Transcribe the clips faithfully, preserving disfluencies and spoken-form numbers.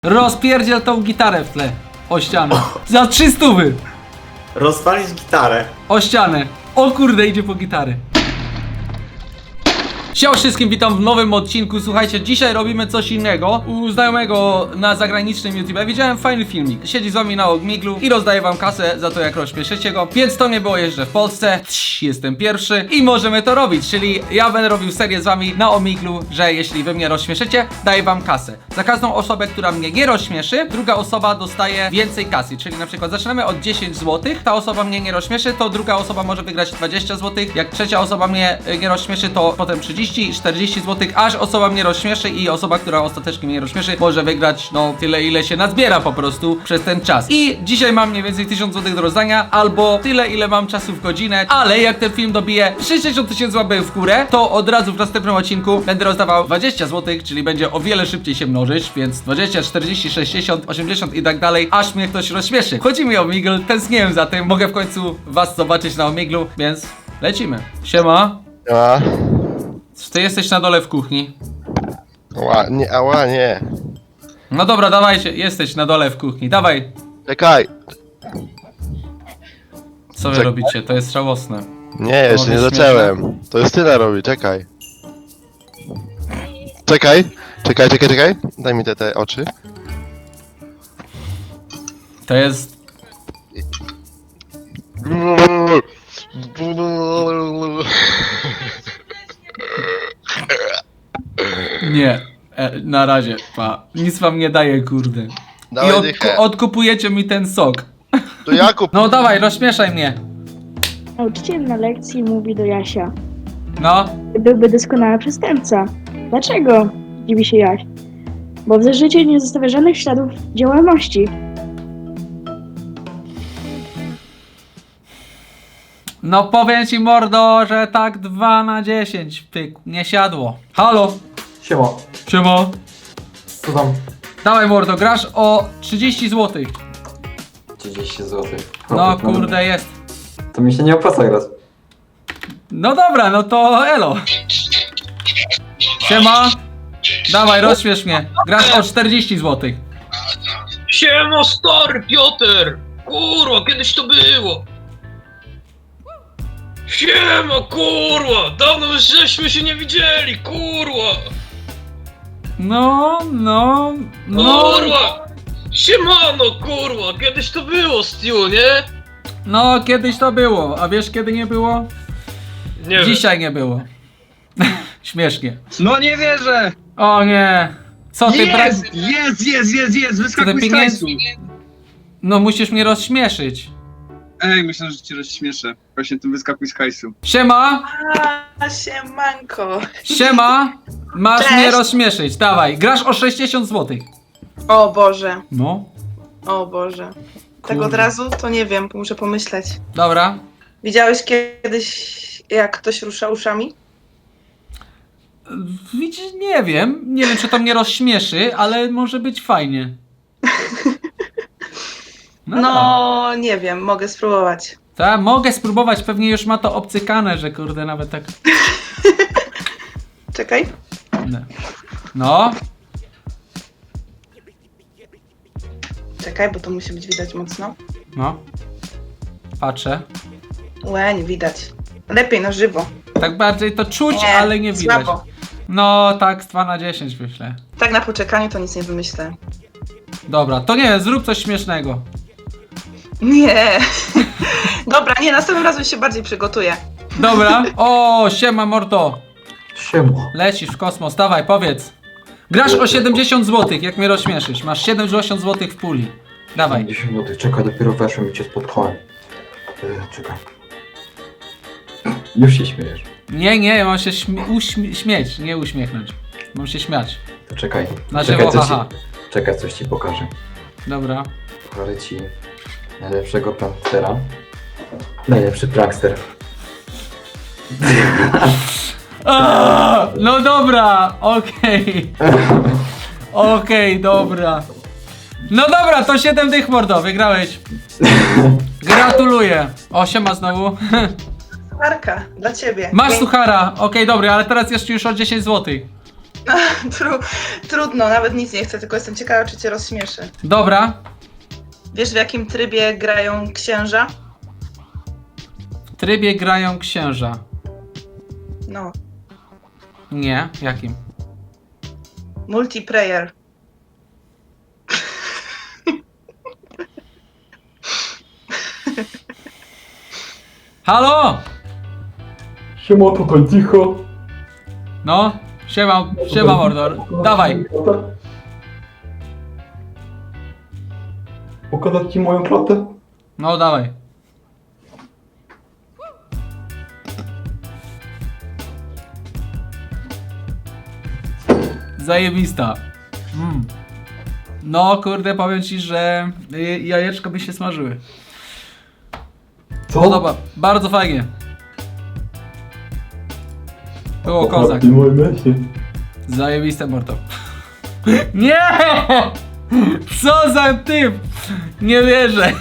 Rozpierdziel tą gitarę w tle. O ścianę. Za trzy stówy. Rozwalić gitarę. O ścianę. O kurde, idzie po gitarę. Siema wszystkim, witam w nowym odcinku. Słuchajcie, dzisiaj robimy coś innego. U znajomego na zagranicznym YouTube widziałem fajny filmik. Siedzi z wami na Omiglu i rozdaje wam kasę za to, jak rozśmieszycie go. Więc to nie było jeszcze w Polsce. Cii, jestem pierwszy i możemy to robić. Czyli ja będę robił serię z wami na Omiglu, że jeśli wy mnie rozśmieszycie, daję wam kasę. Za każdą osobę, która mnie nie rozśmieszy, druga osoba dostaje więcej kasy. Czyli na przykład zaczynamy od dziesięć złotych. Ta osoba mnie nie rozśmieszy, to druga osoba może wygrać dwadzieścia złotych. Jak trzecia osoba mnie y, nie rozśmieszy, to potem trzydzieści, czterdzieści złotych, aż osoba mnie rozśmieszy i osoba, która ostatecznie mnie rozśmieszy, może wygrać no tyle, ile się nazbiera po prostu przez ten czas. I dzisiaj mam mniej więcej tysiąc złotych do rozdania, albo tyle, ile mam czasu w godzinę, ale jak ten film dobije sześćdziesiąt tysięcy łapek w górę, to od razu w następnym odcinku będę rozdawał dwadzieścia złotych, czyli będzie o wiele szybciej się mnożyć, więc dwadzieścia, czterdzieści, sześćdziesiąt, osiemdziesiąt i tak dalej, aż mnie ktoś rozśmieszy. Chodzi mi o Omegle, tęskniłem za tym, mogę w końcu was zobaczyć na Omeglu, więc lecimy. Siema. A, Czy ty jesteś na dole w kuchni? ła, nie, ała, nie. No dobra, dawajcie, jesteś na dole w kuchni, dawaj. Czekaj. Co wy Czek- robicie? To jest żałosne. Nie, jeszcze nie Mogę zacząłem. To jest tyle robi, czekaj. Czekaj, czekaj, czekaj, czekaj. Daj mi te, te oczy. To jest... Nie. E, na razie, pa. Nic wam nie daje, kurde. I Dawaj od, dychę. odkupujecie mi ten sok. To Jakub. No dawaj, rozśmieszaj mnie. Nauczyciel na lekcji mówi do Jasia: No. byłby doskonały przestępca. Dlaczego? Dziwi się Jaś. Bo w życiu nie zostawia żadnych śladów działalności. No powiem ci, mordo, że tak dwa na dziesięć. Pyk, nie siadło. Halo. Siema, Siema. co tam? Dawaj, mordo, grasz o trzydzieści złotych. trzydzieści złotych. No kurde, jest. To mi się nie opłaca grać. No dobra, no to elo. Siema. Dawaj, rozśmiesz mnie. Grasz o czterdzieści złotych. Siema stary Piotr! Kurwa, kiedyś to było! Siema kurwa! Dawno już żeśmy się nie widzieli, kurwa! No, no, no. Kurwa! Siemano kurwa, kiedyś to było Stu, nie? No, kiedyś to było. A wiesz kiedy nie było? Nie wiem. Dzisiaj nie było. Śmiesznie. No nie wierzę! O nie. Co ty brak... Jest! Jest, jest, jest, jest! Wyskakuj z pieniędzy- hajsu! No musisz mnie rozśmieszyć. Ej, myślę, że cię rozśmieszę. Właśnie tym wyskakuj z hajsu. Siema. A, siemanko. Siema. Masz Cześć. mnie rozśmieszyć. Dawaj. Grasz o sześćdziesiąt złotych. O Boże, No. o Boże. Tak Kurde. od razu? To nie wiem, muszę pomyśleć. Dobra. Widziałeś kiedyś, jak ktoś rusza uszami? Widzisz, nie wiem. Nie wiem, czy to mnie rozśmieszy, ale może być fajnie. No, nie wiem, mogę spróbować. Tak, mogę spróbować. Pewnie już ma to obcykane, że kurde, nawet tak. Czekaj. No. No. Czekaj, bo to musi być widać mocno. No. Patrzę. Łe, nie widać. Lepiej na żywo. Tak bardziej to czuć, Nie, ale nie widać. słabo. No, tak, z dwa na dziesięć myślę. Tak na poczekaniu to nic nie wymyślę. Dobra, to nie, zrób coś śmiesznego. Nie. Dobra, nie, następnym razem się bardziej przygotuję. Dobra. O, siema mordo. Siema. Lecisz w kosmos, dawaj, powiedz. Grasz o siedemdziesiąt złotych, jak mnie rozśmieszysz. Masz siedemdziesiąt złotych w puli. Dawaj. dziesięć złotych, czekaj, dopiero weszłem i cię spotkałem. E, czekaj. Już się śmiejesz. Nie, nie, mam się śmie- uśmie- śmieć, nie uśmiechnąć. Mam się śmiać. To czekaj. Na czekaj, żywo, coś haha. ci, czekaj, coś ci pokażę. Dobra. Pokażę ci najlepszego prankstera. Najlepszy prankster. A, no dobra, okej. Okej, dobra. No dobra, to siedem dych mordo, wygrałeś. Gratuluję. O, siema znowu. Marka, dla ciebie. Masz Dzięki. suchara, okej, dobry, ale teraz jeszcze już o dziesięć złotych. Tru, trudno, nawet nic nie chcę, tylko jestem ciekawa, czy cię rozśmieszy. Dobra. Wiesz, w jakim trybie grają księża? W trybie grają księża. No, Nie, jakim? multiplayer. Halo! Siema, tutaj cicho. No, siema, siema Mordor. Dawaj. Pokazać ci moją klatę? No, dawaj. Zajebista. Mm. No, kurde, powiem ci, że y, jajeczko by się smażyły. Co? Podoba, bardzo fajnie. Było kozak. Ty moje myśli. Zajebiste mordo. Nie! Co za typ! Nie wierzę.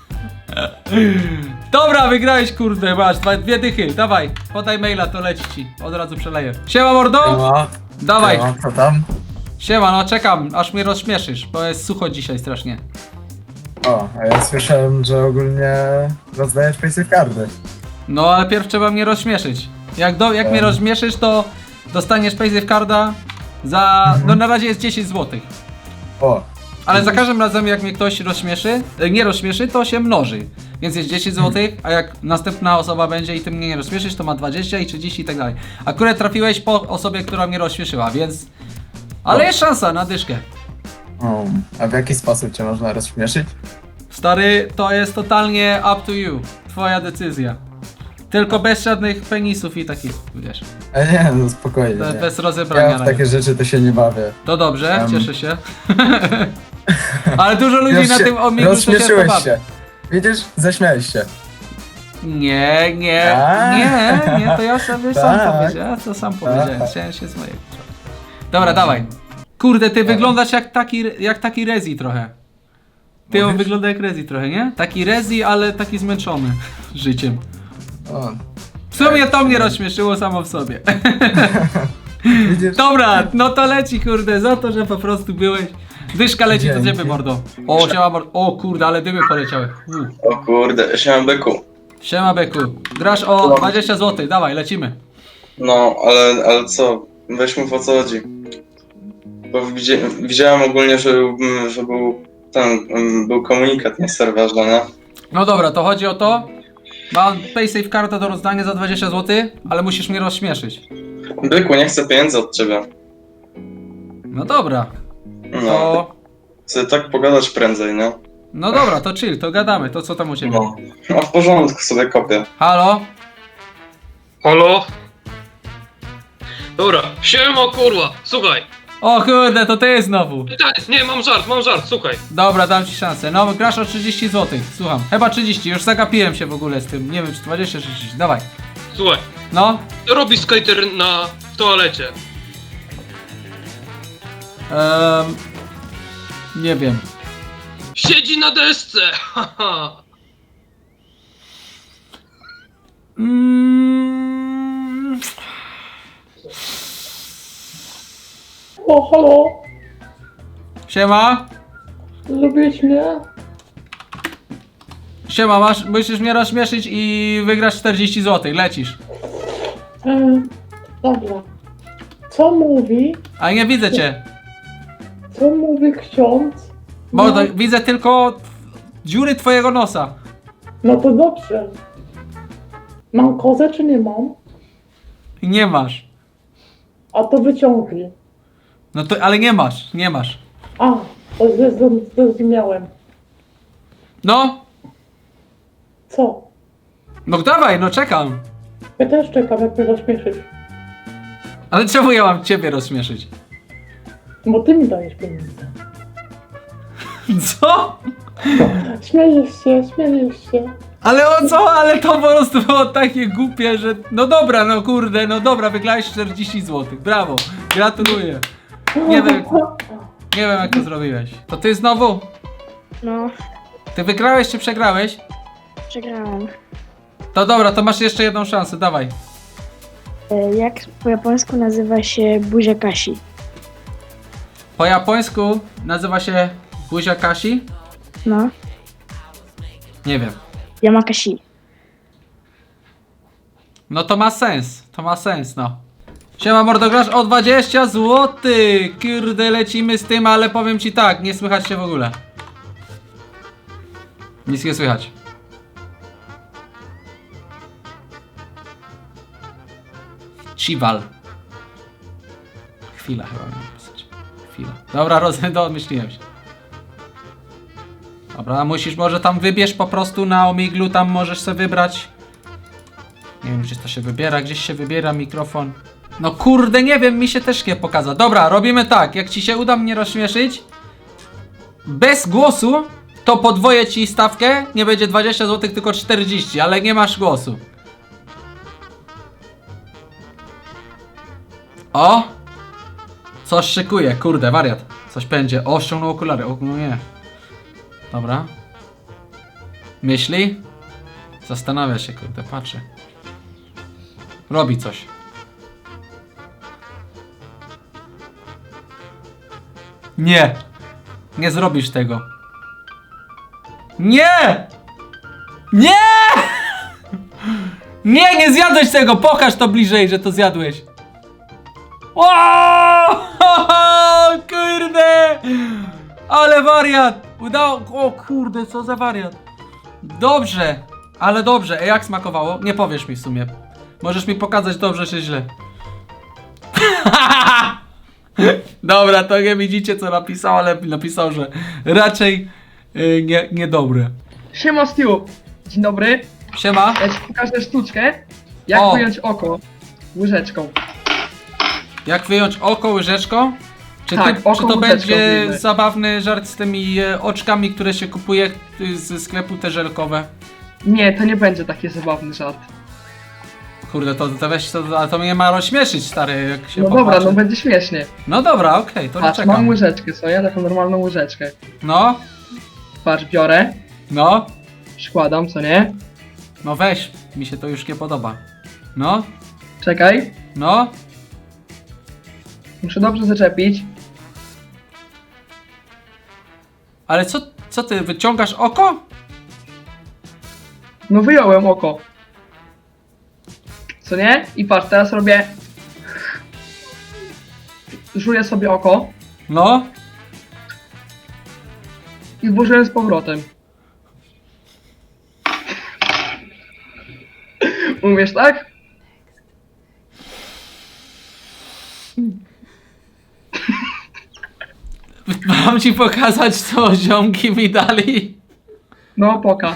Dobra, wygrałeś, kurde, masz dwa, dwie dychy, dawaj, podaj maila, to leci ci, od razu przeleję. Siema mordo! Siema. Dawaj, Siema, co tam? siema, no czekam, aż mnie rozśmieszysz, bo jest sucho dzisiaj strasznie. O, a ja słyszałem, że ogólnie rozdajesz paysafe cardy. No ale pierw trzeba mnie rozśmieszyć. Jak, do, jak mnie rozśmieszysz, to dostaniesz paysafe carda za, no na razie jest dziesięć złotych. O, Ale za każdym razem jak mnie ktoś rozśmieszy, e, nie rozśmieszy, to się mnoży. Więc jest dziesięć złotych, a jak następna osoba będzie i ty mnie nie rozśmieszysz, to ma dwadzieścia i trzydzieści i tak dalej. Akurat trafiłeś po osobie, która mnie rozśmieszyła, więc... Ale jest szansa na dyszkę. o, a w jaki sposób cię można rozśmieszyć? Stary, to jest totalnie up to you. Twoja decyzja. Tylko bez żadnych penisów i takich, wiesz. E nie, no spokojnie. Be, Nie. bez rozebrania. Ja w takie rzeczy to się nie bawię. To dobrze, Em. cieszę się. Ale dużo ludzi Już na się- tym omigu to się rozśmieszyłeś pobawi. się. Widzisz? Zaśmiałeś się. Nie, nie, Tak. nie, nie, to ja sobie sam Tak. powiedziałem, ja to sam powiedziałem, Tak. chciałem się z mojego. Dobra, dawaj. Kurde, ty wyglądasz jak taki, jak taki Rezi trochę. Ty on Mówisz? wygląda jak Rezi trochę, nie? Taki Rezi, ale taki zmęczony życiem. O, W sumie to mnie rozśmieszyło samo w sobie. widzisz? Dobra, no to leci, kurde, za to, że po prostu byłeś. Dyszka leci do Dzięki. ciebie, mordo. O, siema, mordo. O kurde, ale dymy poleciały. U. O kurde, siema byku. Siema, Beku. Grasz o dwadzieścia złotych, dawaj, lecimy. No, ale, ale co? Weź mów o co chodzi. Bo widzi, widziałem ogólnie, że, mm, że był ten, mm, był komunikat na serwerze, nie? No dobra, to chodzi o to. Mam paysafe kartę do rozdania za dwadzieścia złotych, ale musisz mnie rozśmieszyć. Byku, nie chcę pieniędzy od ciebie. No dobra, No, to... chcę tak pogadać prędzej, nie? No dobra, to chill, to gadamy, to co tam u ciebie? No, no w porządku, sobie kopię. Halo? Halo? Dobra, siema kurwa, słuchaj. O kurde, to ty znowu. Tak, nie, mam żart, mam żart, słuchaj. Dobra, dam ci szansę. No, grasz o trzydzieści złotych, słucham. Chyba trzydzieści, już zagapiłem się w ogóle z tym. Nie wiem, czy dwadzieścia, czy trzydzieści, dawaj. Słuchaj, No, co robi skater na w toalecie? um, nie wiem. Siedzi na desce, haha. Mm, O, halo? siema? Lubisz mnie? Siema, masz, musisz mnie rozśmieszyć i wygrasz czterdzieści złotych, lecisz. E, dobra. Co mówi? A nie widzę cię. Co mówi ksiądz? Bo to, widzę tylko dziury twojego nosa. No to dobrze. Mam kozę czy nie mam? I nie masz. A to wyciągnij. No to, ale nie masz, nie masz. A, to zroz- zrozumiałem. No, Co? no dawaj, no czekam. Ja też czekam, jak mnie rozśmieszysz. Ale czemu ja mam ciebie rozśmieszyć? Bo ty mi dajesz pieniądze. Co? Śmiejesz się, śmiejesz się. Ale o co? Ale to po prostu było takie głupie, że... No dobra, no kurde, no dobra, wygrałeś czterdzieści złotych, brawo, gratuluję. Nie wiem, nie wiem jak to zrobiłeś. To ty znowu? No, Ty wygrałeś czy przegrałeś? przegrałam. To dobra, to masz jeszcze jedną szansę, dawaj. E, Jak po japońsku nazywa się buzia Kasi? Po japońsku nazywa się buzia Kasi? No, Nie wiem. Yamakasi. No to ma sens, to ma sens, no. Siema mordo, grasz o dwadzieścia złotych. Kurde, lecimy z tym, ale powiem ci tak, nie słychać się w ogóle. Nic nie słychać. Chival. Chwila chyba miałem pisać. Chwila. Dobra, rozumiem, domyśliłem się. Dobra, musisz, może tam wybierz po prostu na Omiglu, tam możesz sobie wybrać. Nie wiem, gdzie to się wybiera, gdzieś się wybiera mikrofon. No kurde, nie wiem, mi się też nie pokaza. Dobra, robimy tak, jak ci się uda mnie rozśmieszyć, bez głosu, to podwoję ci stawkę, nie będzie dwadzieścia złotych, tylko czterdzieści, ale nie masz głosu. O! Coś szykuje, kurde, wariat. Coś będzie. O, ściągnął okulary, o, no nie. Dobra. Myśli? Zastanawia się, kurde, patrzy. Robi coś. Nie! Nie zrobisz tego. Nie! Nie! Nie, nie zjadłeś tego! Pokaż to bliżej, że to zjadłeś. O! Kurde! Ale wariat! Udało... O kurde, co za wariat. Dobrze, ale dobrze. E, jak smakowało? Nie powiesz mi w sumie. Możesz mi pokazać dobrze czy źle. Dobra, to nie widzicie co napisał, ale napisał, że raczej yy, nie, niedobre. Siema Stu. Dzień dobry. Siema. Ja ci pokażę sztuczkę, jak O. wyjąć oko łyżeczką. Jak wyjąć oko łyżeczką? Czy, Tak, ty, oko czy to łyżeczką będzie wyjmę. zabawny żart z tymi e, oczkami, które się kupuje y, ze sklepu te żelkowe? Nie, to nie będzie taki zabawny żart. Kurde, to, to weź to, ale to mnie ma rozśmieszyć, stary, jak się No dobra, popatrzy. no będzie śmiesznie. No dobra, okej, to Patrz, czekam. mam łyżeczkę, co ja? Taką normalną łyżeczkę. No, Patrz, biorę, no, przykładam, co nie? no weź, mi się to już nie podoba. No, Czekaj, no, muszę dobrze zaczepić. ale co, co ty, wyciągasz oko? No wyjąłem oko. Co nie? I patrz, teraz robię... Żuję sobie oko No, i włożyłem z powrotem. Umiesz tak? mam ci pokazać co ziomki mi dali? No, poka.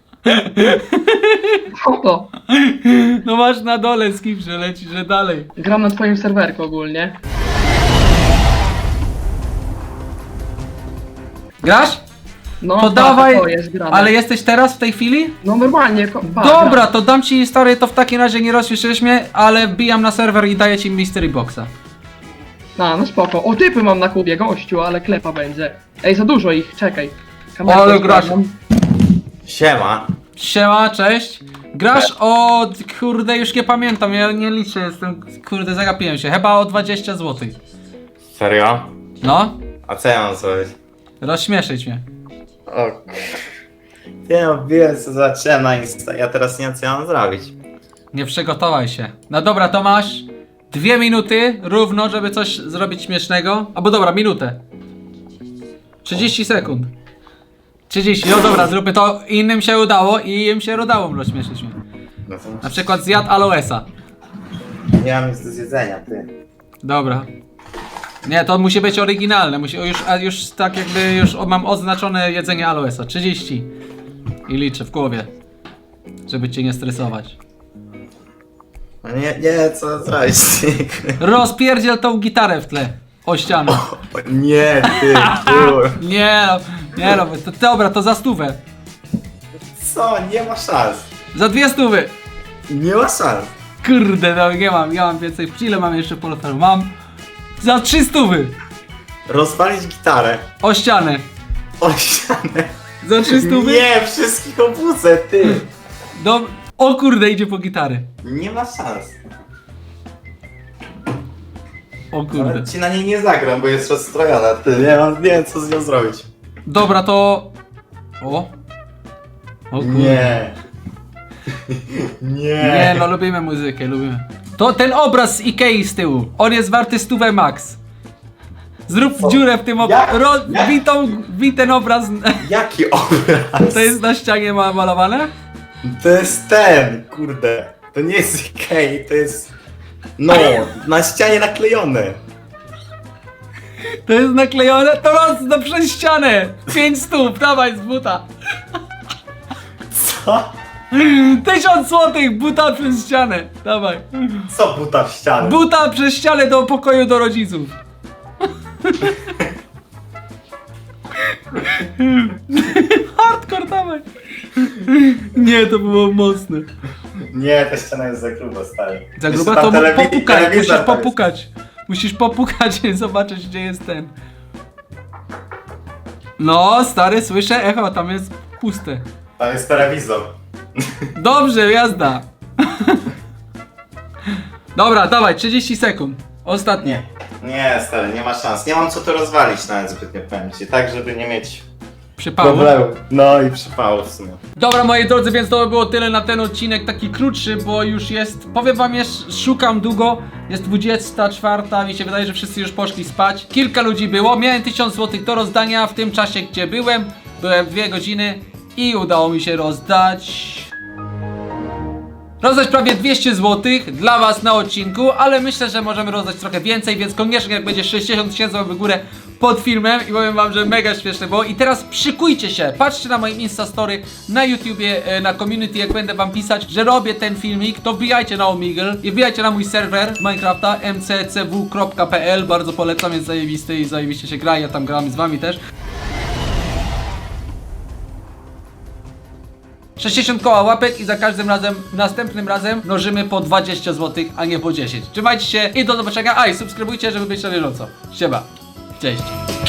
Oto. No masz na dole skip, że leci, że dalej. Gram na twoim serwerku ogólnie. Grasz? No, To patrz, dawaj, to jest grane. ale jesteś teraz w tej chwili? No normalnie, ko- pa, Dobra, gram. to dam ci stary, to w takim razie nie rozśmieszysz mnie, ale wbijam na serwer i daję ci mystery boxa. A, no spoko. O, typy mam na kubie, gościu, ale klepa będzie. Ej, za dużo ich, czekaj. Ale grasz. sprawdzam. Siema. Siema, cześć. Grasz o... kurde, już nie pamiętam, ja nie liczę, jestem... kurde, zagapiłem się, chyba o dwadzieścia złotych. Serio? No, A co ja mam zrobić? rozśmieszyć mnie. O Ty no, wiem co zacząłem na Insta. Ja teraz nie wiem co ja mam zrobić. Nie przygotowaj się. No dobra, to masz dwie minuty równo, żeby coś zrobić śmiesznego. Albo dobra, minutę. trzydzieści sekund. trzydzieści, no dobra, zróbmy to. Innym się udało i im się udało rozśmieszyć mnie. No to Na przykład zjadł aloesa. nie mam nic do zjedzenia, ty. Dobra. Nie, to musi być oryginalne. Musi, już, a już tak jakby już mam oznaczone jedzenie aloesa. trzydzieści. I liczę w głowie. Żeby cię nie stresować. No nie, nie, co zrobić, ty. Rozpierdziel tą gitarę w tle. O ścianę. O, nie, ty, kur. Nie no, nie no, to, dobra, to za stówę. Co? Nie ma szans. Za dwie stówy. Nie ma szans. Kurde, no nie mam, nie mam więcej. Ile mam jeszcze polotaru? Mam za trzy stówy. Rozwalić gitarę. O ścianę. O ścianę. Za trzy stówy. Nie, wszystkich obudzę, ty. Do... O kurde, idzie po gitarę. Nie ma szans. O kurde. Ale ci na niej nie zagram, bo jest rozstrojona. Ty, nie, mam, nie wiem co z nią zrobić. Dobra, to... O. O kurde. Nie. Nie. Nie, no lubimy muzykę, lubimy. To ten obraz z Ikei z tyłu. On jest warty stówę max. Zrób Co? dziurę w tym Jak? obrazie. Jak? Wbij tą, wbij ten obraz. Jaki obraz? To jest na ścianie ma malowane? To jest ten, kurde. To nie jest Ikei, to jest... No, na ścianie naklejony. To jest naklejone? To roz na przez ścianę. Pięć stów, dawaj z buta. Co? Tysiąc złotych, buta przez ścianę. Dawaj. Co buta w ścianę? Buta przez ścianę do pokoju do rodziców. Hardcore, dawaj. Nie, to było mocne. Nie, ta ściana jest za gruba, stary. Za Jeszcze gruba tam to telewi- popukaj, telewizor musisz tam jest. popukać. Musisz popukać i zobaczyć, gdzie jest ten. No, stary, słyszę echo, tam jest puste. Tam jest telewizor. Dobrze, jazda. Dobra, dawaj, trzydzieści sekund. Ostatnie. Nie, stary, nie ma szans. Nie mam co to rozwalić nawet zbytnio, powiem ci. Tak, żeby nie mieć Przypału. problemu. No i przypału w sumie. Dobra, moi drodzy, więc to by było tyle na ten odcinek, taki krótszy, bo już jest, powiem wam, jest, szukam długo, jest dwudziesta czwarta, mi się wydaje, że wszyscy już poszli spać. Kilka ludzi było, miałem tysiąc złotych do rozdania w tym czasie, gdzie byłem, byłem dwie godziny i udało mi się rozdać... Rozdać prawie dwieście złotych dla was na odcinku, ale myślę, że możemy rozdać trochę więcej, więc koniecznie jak będzie sześćdziesiąt tysięcy w górę pod filmem i powiem wam, że mega śmieszne było. I teraz szykujcie się, patrzcie na moim Instastory, na YouTubie, e, na community, jak będę wam pisać, że robię ten filmik, to wbijajcie na Omegle i wbijajcie na mój serwer z Minecrafta m c c w kropka p l, bardzo polecam, jest zajebisty i zajebiście się gra, ja tam gram z wami też. sześćdziesiąt koła łapek i za każdym razem, następnym razem mnożymy po dwadzieścia złotych, a nie po dziesięć. Trzymajcie się i do zobaczenia. A i subskrybujcie, żeby być na bieżąco. Siema. Cześć.